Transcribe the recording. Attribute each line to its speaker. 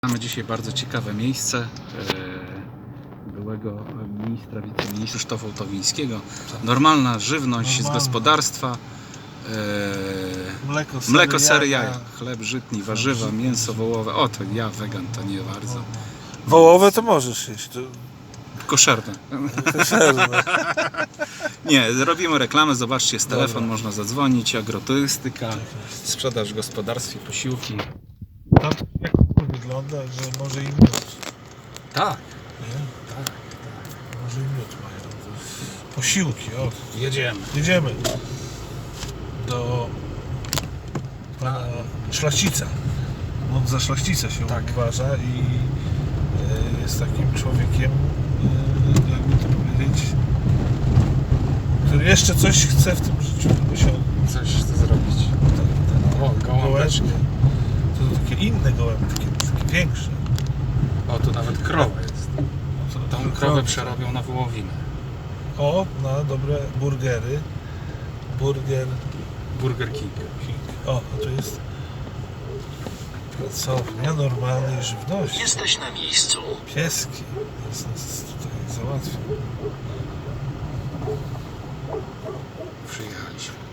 Speaker 1: Mamy dzisiaj bardzo ciekawe miejsce byłego ministra, wiceministra Krzysztofa Towińskiego. Normalna żywność z gospodarstwa, mleko, sery, jaja, chleb żytni, warzywa, mięso wołowe. O, to ja wegan, to nie bardzo.
Speaker 2: Wołowe to możesz jeść. To...
Speaker 1: Koszerne. Nie, robimy reklamę, zobaczcie, jest telefon, można zadzwonić, agroturystyka, sprzedaż w gospodarstwie, posiłki.
Speaker 2: Tam jak to wygląda, że może i miód.
Speaker 1: Tak.
Speaker 2: Nie? Tak. Może i miód mają. Posiłki, o.
Speaker 1: Jedziemy.
Speaker 2: Jedziemy do pana Szlachcica. On za szlachcica się uważa i jest takim człowiekiem, jakby to powiedzieć, który jeszcze coś chce w tym życiu osiągnąć.
Speaker 1: Coś chcę zrobić. O, gołąbeczki.
Speaker 2: To takie inne gołębie, takie większe.
Speaker 1: O, tu nawet krowa jest. Tą krowę przerobią na wołowinę.
Speaker 2: O, na dobre burgery.
Speaker 1: Burger King.
Speaker 2: O, a tu jest pracownia normalnej żywności.
Speaker 3: Jesteś na miejscu.
Speaker 2: Pieski. Nas tutaj załatwił.
Speaker 1: Przyjechaliśmy.